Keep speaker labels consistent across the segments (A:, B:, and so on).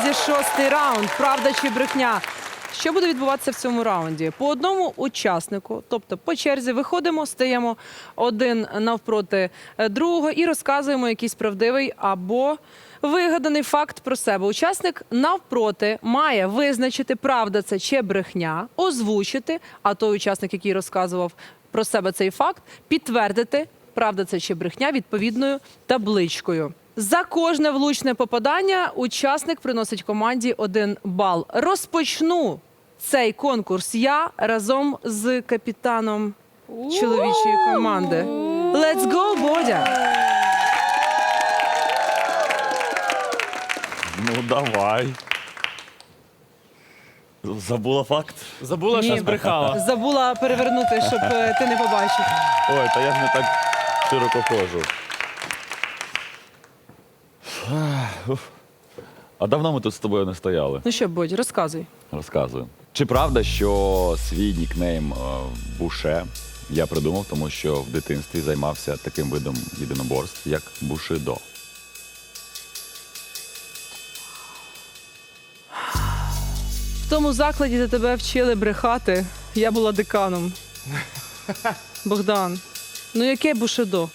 A: Друзі, 6-й раунд. Правда чи брехня? Що буде відбуватися в цьому раунді? По одному учаснику, тобто по черзі, виходимо, стаємо один навпроти другого і розказуємо якийсь правдивий або вигаданий факт про себе. Учасник навпроти має визначити, правда це чи брехня, озвучити, а той учасник, який розказував про себе цей факт, підтвердити, правда це чи брехня, відповідною табличкою. За кожне влучне попадання учасник приносить команді 1 бал. Розпочну цей конкурс я разом з капітаном чоловічої команди. Let's go, Бодя!
B: Ну, давай. Забула факт?
C: Забула, що збрехала.
A: Забула перевернути, щоб ти не побачив.
B: Ой, та я ж не так широко ходжу. А давно ми тут з тобою не стояли.
A: Ну що, Бодь, розказуй.
B: Розказую. Чи правда, що свій нікнейм Буше я придумав, тому що в дитинстві займався таким видом єдиноборств, як бушидо?
A: В тому закладі, де тебе вчили брехати, я була деканом. Богдан, ну яке бушидо?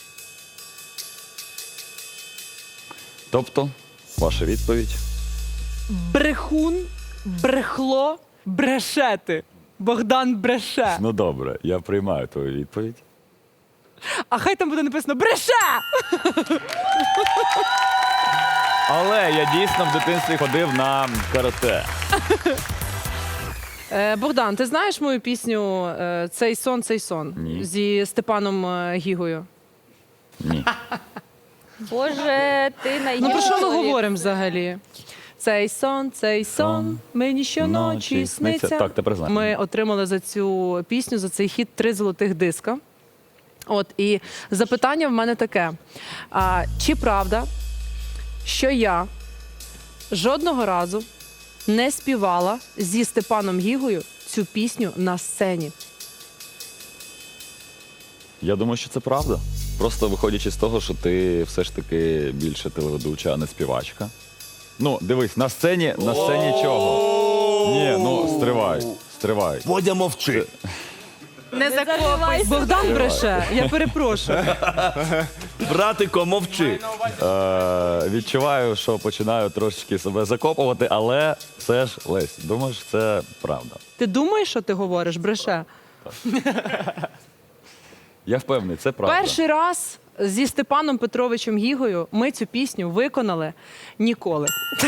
B: Тобто, ваша відповідь?
A: Брехун, брехло, брешети. Богдан бреше.
B: Ну добре, я приймаю твою відповідь.
A: А хай там буде написано бреше!
B: Але я дійсно в дитинстві ходив на карате.
A: Богдан, ти знаєш мою пісню «Цей сон, цей сон»
B: Ні.
A: зі Степаном Гігою?
B: Ні.
D: Боже, ти найгірший.
A: Ну про що ми
D: чоловік.
A: говоримо взагалі? Цей сон, мені щоночі
B: Ночі
A: сниться.
B: сниться. Так, тепер знаю.
A: Ми отримали за цю пісню, за цей хіт 3 золотих диска. От, і запитання в мене таке. Чи правда, що я жодного разу не співала зі Степаном Гігою цю пісню на сцені?
B: Я думаю, що це правда. Просто виходячи з того, що ти все ж таки більше телеведуча, а не співачка. Ну, дивись, на сцені чого? Ні, ну, стривай.
E: Бодя, мовчи.
A: Не закопуй. Богдан бреше, я перепрошую.
E: Братико, мовчи.
B: Відчуваю, що починаю трошечки себе закопувати, але все ж, Лесь, думаєш, це правда.
A: Ти думаєш, що ти говориш, бреше?
B: Я впевнений, це правда.
A: Перший раз зі Степаном Петровичем Гігою ми цю пісню виконали ніколи.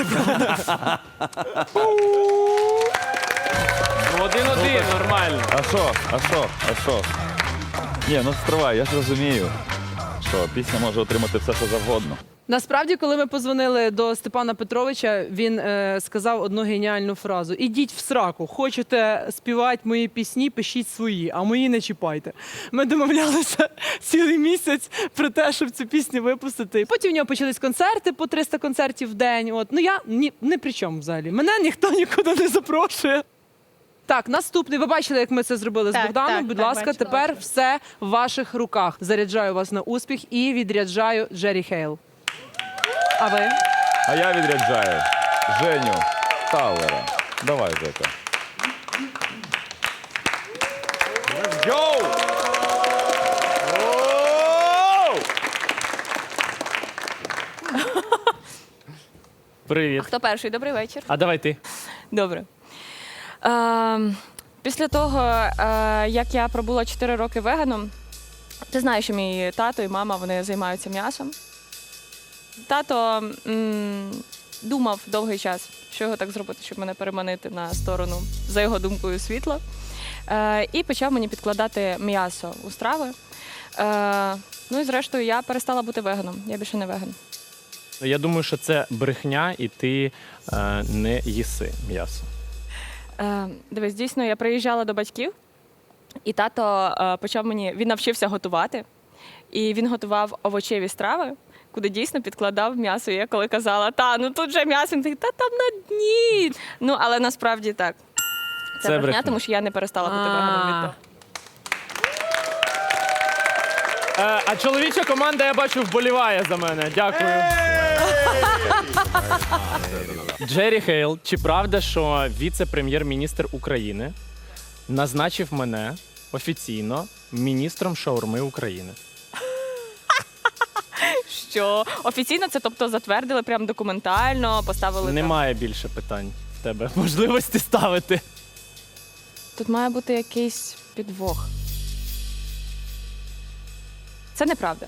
C: Ну, 1-1, нормально.
B: А що? Ні, ну стривай, я ж розумію, що пісня може отримати все, що завгодно.
A: Насправді, коли ми позвонили до Степана Петровича, він сказав одну геніальну фразу: «Ідіть в сраку, хочете співати мої пісні, пишіть свої, а мої не чіпайте». Ми домовлялися цілий місяць про те, щоб цю пісню випустити. Потім в нього почались концерти, по 300 концертів в день. От. Ну я ні при чому взагалі. Мене ніхто нікуди не запрошує. Так, наступний. Ви бачили, як ми це зробили з
D: Так,
A: Богданом.
D: так,
A: Будь
D: так,
A: ласка,
D: бачила.
A: тепер все в ваших руках. Заряджаю вас на успіх і відряджаю Джері Хейл. А ви?
B: А я відряджаю Женю Таллера. Давай, Жека. Let's go!
C: Привіт.
D: Хто перший? Добрий вечір.
C: А давай ти.
D: Добре. Після того, як я пробула 4 роки веганом, ти знаєш, що мій тато і мама, вони займаються м'ясом. Тато думав довгий час, що його так зробити, щоб мене переманити на сторону, за його думкою, світла. І почав мені підкладати м'ясо у страви. Ну і зрештою я перестала бути веганом. Я більше не веган.
C: Я думаю, що це брехня, і ти не їси м'ясо.
D: Дивись, дійсно, я приїжджала до батьків, і тато почав мені, він навчився готувати, і він готував овочеві страви, куди дійсно підкладав м'ясо. І я коли казала, ну тут же м'ясо, він такий, та там на дні. Ну, але насправді так. Це брехня,
C: брехня.
D: тому що я не перестала бути веганом від того.
C: А чоловіча команда, я бачу, вболіває за мене. Дякую. Джері Хейл, чи правда, що віце-прем'єр-міністр України назначив мене офіційно міністром шаурми України?
D: Що офіційно це, тобто, затвердили прям документально, поставили там.
C: Немає більше питань в тебе можливості ставити.
D: Тут має бути якийсь підвох. Це неправда.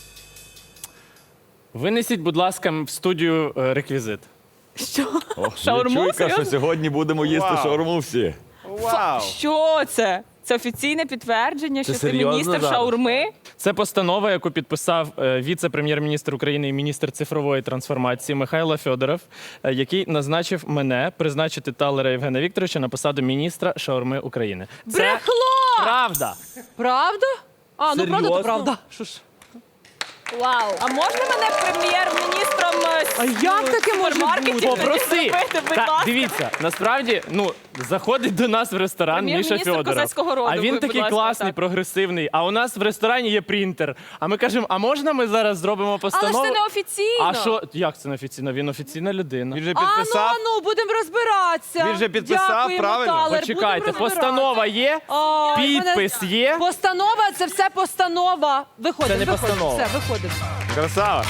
C: Винесіть, будь ласка, в студію реквізит.
D: Що?
B: Ох,
D: Шаурму?
B: чуйка, що
D: Серйозно?
B: сьогодні будемо їсти шаурму всі.
D: Що це? Це офіційне підтвердження, що ти
E: серйозно
D: міністр
E: зараз?
D: шаурми?
C: Це постанова, яку підписав віце-прем'єр-міністр України і міністр цифрової трансформації Михайло Федоров, який назначив мене призначити Талера Євгена Вікторовича на посаду міністра шаурми України. Це
A: Брехло!
C: правда.
A: Правда? А, ну правда, то
E: Серйозно?
A: правда. Що ж?
D: Вау! А можна мене прем'єр-міністром
A: А як таке може
D: супермаркетів
A: бути?
C: Попроси.
D: зробити, будь
C: Та,
D: ласка?
C: дивіться, насправді, заходить до нас в ресторан Міша
D: Прем'єр-міністр
C: Федоров.
D: козацького роду,
C: А він
D: будь
C: такий
D: ласка,
C: класний,
D: так.
C: прогресивний. А у нас в ресторані є принтер. А ми кажемо, а можна ми зараз зробимо
D: Але
C: постанову?
D: ж це не офіційно.
C: А що? Як це не офіційно? Він офіційна людина.
E: Він же
A: А,
E: підписав.
A: ну, будемо розбиратися.
E: Він же підписав,
A: Дякуємо,
E: правильно?
A: Талер,
C: Почекайте,
A: будемо розбиратися.
C: постанова є,
A: А,
C: підпис
A: мене-
C: є.
A: Постанова, це все постанова. Виходимо,
C: Це не
A: виходимо.
C: постанова.
A: Все, виходимо.
E: Красава.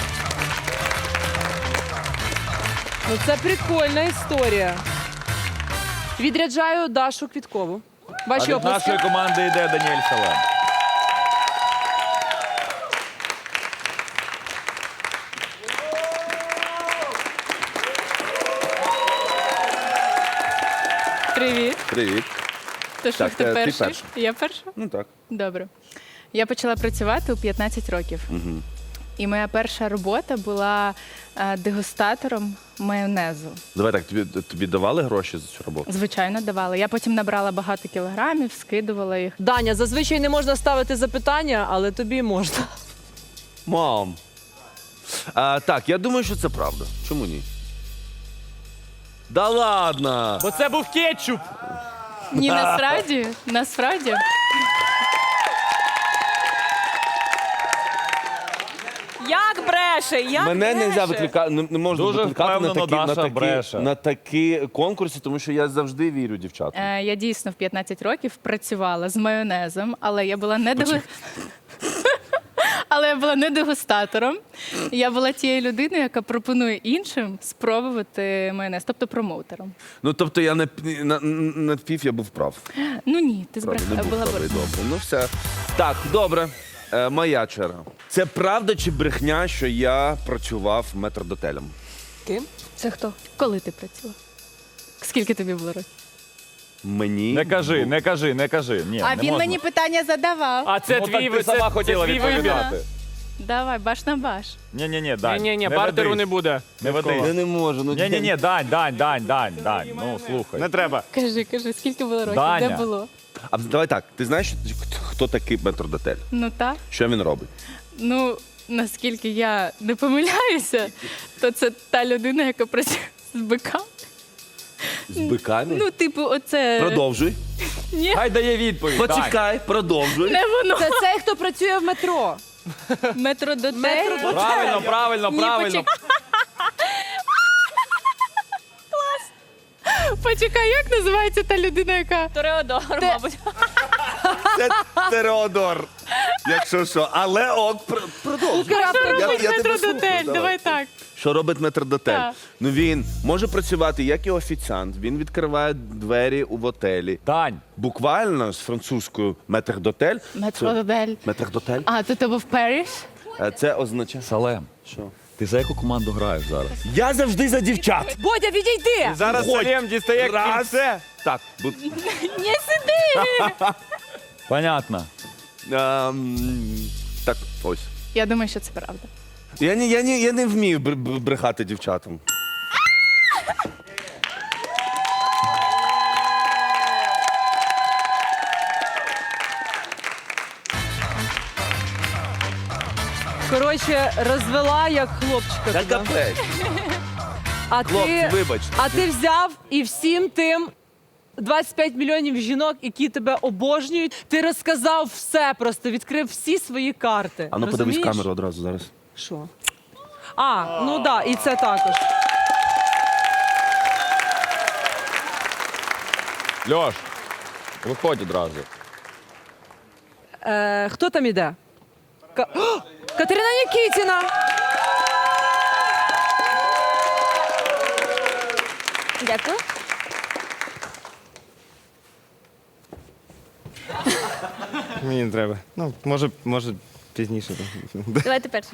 A: Ну, це прикольна історія. Відряджаю Дашу Квіткову.
B: А
A: Ваші
B: від
A: оплески.
B: нашої команди йде Даніель Салем.
F: Привіт.
E: Привіт.
F: То що,
E: Так,
F: хто
E: ти
F: перший?
E: перша.
F: Я перша?
E: Ну так.
F: Добре. Я почала працювати у 15 років. І моя перша робота була дегустатором майонезу.
E: Давай так, тобі давали гроші за цю роботу?
F: Звичайно, давали. Я потім набрала багато кілограмів, скидувала їх.
A: Даня, зазвичай не можна ставити запитання, але тобі можна.
E: Мам. Так, я думаю, що це правда. Чому ні? Да ладно!
C: Бо це був кетчуп.
F: Ні, насправді.
D: Як бреше? Як
E: Мене не
D: бреше?
E: викликати, не можна
B: Дуже
E: викликати
B: впевнено Даша бреше.
E: на такі конкурси, тому що я завжди вірю дівчатам.
F: Я дійсно в 15 років працювала з майонезом, але я була не Але я була не дегустатором. Я була тією людиною, яка пропонує іншим спробувати майонез, тобто промоутером.
E: Ну, тобто я на пів я був прав.
F: Ну ні, ти
E: Правда, не був
F: була
E: правий, добре. Ну все. Так, добре. Моя черга. Це правда чи брехня, що я працював метрдотелем?
A: Ким?
F: Це хто? Коли ти працював? Скільки тобі було років?
E: Мені
B: Не кажи,
E: був-
B: не кажи, не кажи. Ні,
F: А
B: не
F: він
B: можна.
F: мені питання задавав.
C: А це
B: Ну,
C: твій
B: так ти сама хотіла
C: твій вибір.
B: відповідати.
F: Давай, баш на баш.
B: Ні, Дань.
C: Ні,
B: не
C: бартеру
B: ведись.
C: не буде.
B: Не ведись.
E: Я не можу. Ну,
B: Ні, Дань. Ну, слухай.
E: Не треба.
F: Кажи, скільки було років?
B: Даня.
F: Де було?
E: А давай так, ти знаєш, хто такий метрдотель?
F: Ну так.
E: Що він робить?
F: Ну, наскільки я не помиляюся, то це та людина, яка працює з биками.
E: З биками?
F: Ну, типу, оце.
E: Продовжуй.
F: Ні,
B: Хай дає відповідь. Дань.
E: Почекай, продовжуй.
F: не воно.
A: Це цей, хто працює в метро.
F: Метродотель.
B: Правильно.
F: Почекай, як називається та людина, яка.
D: Тореодор, мабуть.
E: Це Тереодор. Якщо що. Але продовжуй.
F: Що
E: Я
F: робить
E: тебе
F: метродотель?
E: слухаю,
F: Давай так.
E: Що робить метрдотель?
F: Так.
E: Ну він може працювати як і офіціант. Він відкриває двері у готелі.
B: Дань.
E: Буквально з французькою метрдотель.
F: Метродотель.
E: Метрдотель.
F: А, то був Париж?
E: Це означає.
B: Салем,
E: Що?
B: ти за яку команду граєш зараз?
E: Я завжди за дівчат.
A: Бодя, відійди!
E: Зараз Салєм дістає кільце. Так,
F: Ні, сиди!
B: Понятно.
E: так, ось.
F: Я думаю, що це правда.
E: Я не вмію брехати дівчатам.
A: Коротше, розвела як хлопчика.
E: Та
A: тебе.
E: капець.
A: А
E: Хлопці,
A: ти,
E: вибачте.
A: а ти взяв і всім тим 25 мільйонів жінок, які тебе обожнюють, ти розказав все просто, відкрив всі свої карти.
E: А ну подивись
A: Розумієш?
E: камеру одразу зараз.
A: Що? Ну да, і це також.
B: Льош, виходь одразу.
A: Хто там іде? Катерина Нікітіна.
D: Дякую.
G: Мені не треба. Ну, може пізніше.
D: Давайте перше.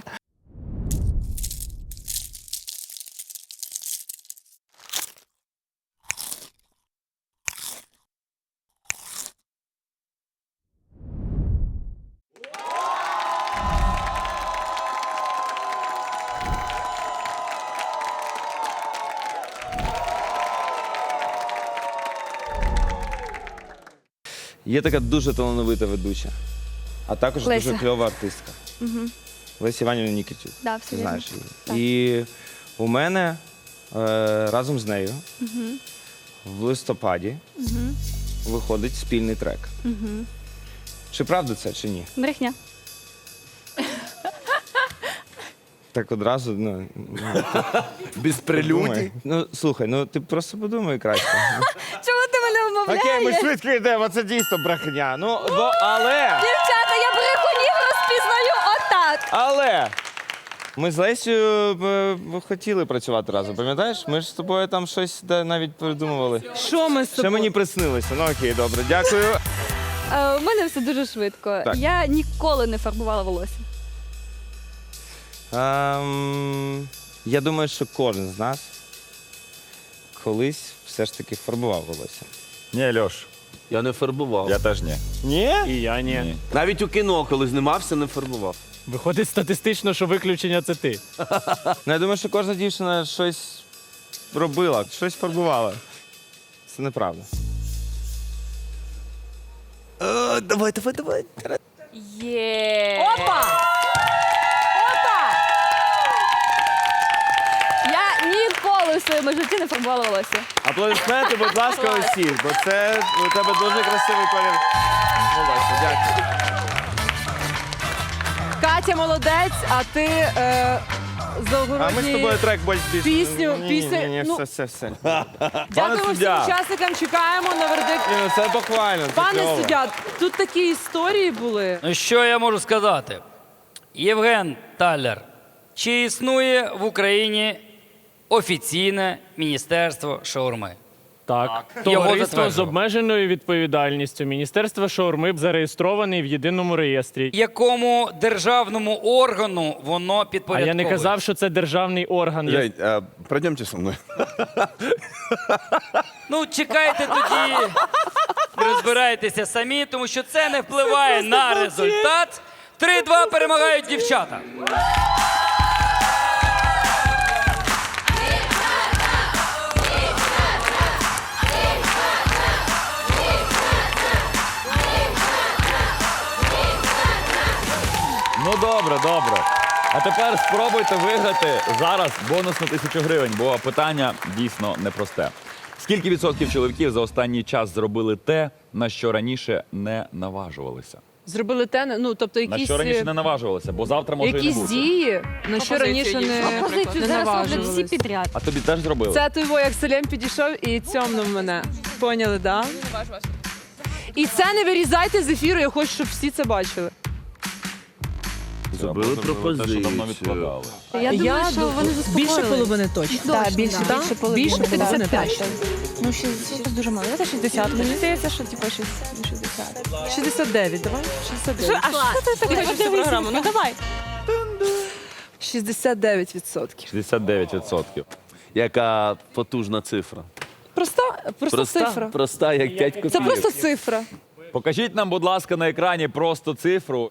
G: Є така дуже талановита ведуча, а також
D: Леся.
G: дуже кльова артистка. Леся Іванівна Нікітюк.
D: Да, все
G: Ти
D: вірно.
G: знаєш її. І у мене разом з нею в листопаді виходить спільний трек. Чи правда це, чи ні?
D: Брехня.
G: Так одразу,
E: Без
G: подумай. Ну, слухай, ну ти просто подумай краще.
D: Чому ти мене вмовляєш?
G: Окей, ми швидко йдемо, це дійсно брехня. Ну, але...
D: Дівчата, я брехунів розпізнаю отак.
G: Але ми з Лесею хотіли працювати разом, пам'ятаєш? Ми ж з тобою там щось навіть придумували.
A: Що ми з
G: Ще
A: тобою?
G: мені приснилося. Ну окей, добре, дякую.
H: У мене все дуже швидко.
G: Так.
H: Я ніколи не фарбувала волосся.
G: Я думаю, що кожен з нас колись все ж таки фарбував волосся.
B: Ні, Льош,
E: Я не фарбував.
B: я теж ні.
G: Ні?
C: І я ні.
B: Ні.
E: Навіть у кіно, коли знімався, не фарбував.
C: Виходить статистично, що виключення це ти.
G: Ну, я думаю, що кожна дівчина щось робила, щось фарбувала. Це неправда.
E: Давай.
D: Є.
A: Опа! Опа!
H: Я ніколи в своєму житті не фарбувала волосся.
G: Аплодисменти, будь ласка, усі, бо це у тебе дуже красивий колір волосся. Дякую.
A: Катя молодець, а ти
G: А ми з
A: завгородній...
G: тобою трек більш
A: Пісню,
G: Ні,
A: ну-
G: все.
A: Дякуємо всім
B: суддя.
A: учасникам, чекаємо на вердикт.
G: Ні, ну це буквально. це
A: Пане
G: кльово.
A: суддя, тут такі історії були.
I: Ну, що я можу сказати? Євген Талер, чи існує в Україні офіційне міністерство шаурми?
C: Так.
I: Його
C: Товариство з
I: затверджував.
C: обмеженою відповідальністю Міністерства шаурми зареєстрований в єдиному реєстрі.
I: Якому державному органу воно
C: А
I: підпорядковує?
C: я не казав, що це державний орган.
J: Жень, пройдемте со мной.
I: Ну, чекайте тоді, розбирайтеся самі, тому що це не впливає на результат. 3-2 перемагають дівчата.
B: Ну добре. А тепер спробуйте виграти зараз бонус на 1000 гривень, бо питання дійсно непросте. Скільки відсотків чоловіків за останній час зробили те, на що раніше не наважувалися?
A: Зробили те, ну тобто
B: На
A: якісь,
B: що раніше не наважувалися, бо завтра може і не
A: якісь
B: бути.
A: дії, на що раніше
H: Пропозицію
A: не
H: зараз роблять всі
A: наважувалися.
H: підряд.
B: А тобі теж зробили?
A: Це той во, як Селем підійшов і цьомнув мене. Поняли, да? І це не вирізайте з ефіру, я хочу, щоб всі це бачили.
E: Зробили
B: Те, що давно
E: пропозицію.
B: відкладали.
H: Я думаю, що вони заспокоїлись.
A: більше половини точно.
H: Так, більше половини.
A: Більше 55.
D: Ну, 60 дуже мало. Давайте 60. Мені здається, що типу 60.
A: 69, давай. 69.
D: А що ти так хочеш цю програму? Ну давай.
A: 69%.
B: 69%.
E: Яка потужна цифра.
A: Просто цифра.
E: Проста, як 5 копійок.
A: Це просто цифра.
B: Покажіть нам, будь ласка, на екрані просто цифру.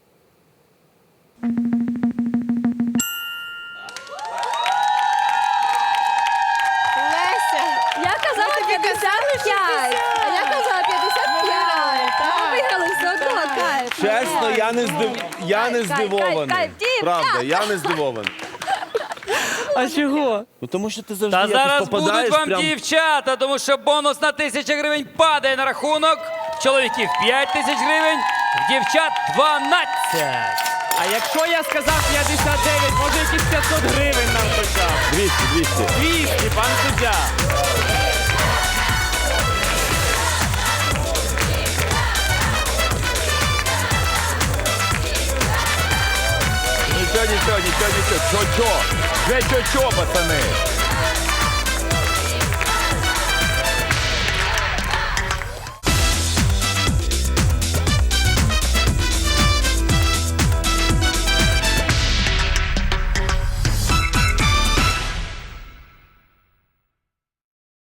H: Леся, я казала 55, а я казала 55. Ми виграли все одно, кайф.
E: Чесно, я не здивований.
H: кайф, дівчата!
E: Правда, я не здивований.
A: А чого?
E: Ну тому що ти завжди
I: Та
E: якось
I: зараз
E: попадаєш
I: будуть вам
E: прям...
I: дівчата, тому що бонус на 1000 гривень падає на рахунок. В чоловіків 5000 гривень, в дівчат 12.
C: А якщо я сказав 59, може якісь 500 гривень нам хоча б?
B: 200.
C: 200, пан суддя.
B: Нічого. Чо-чо, пацани.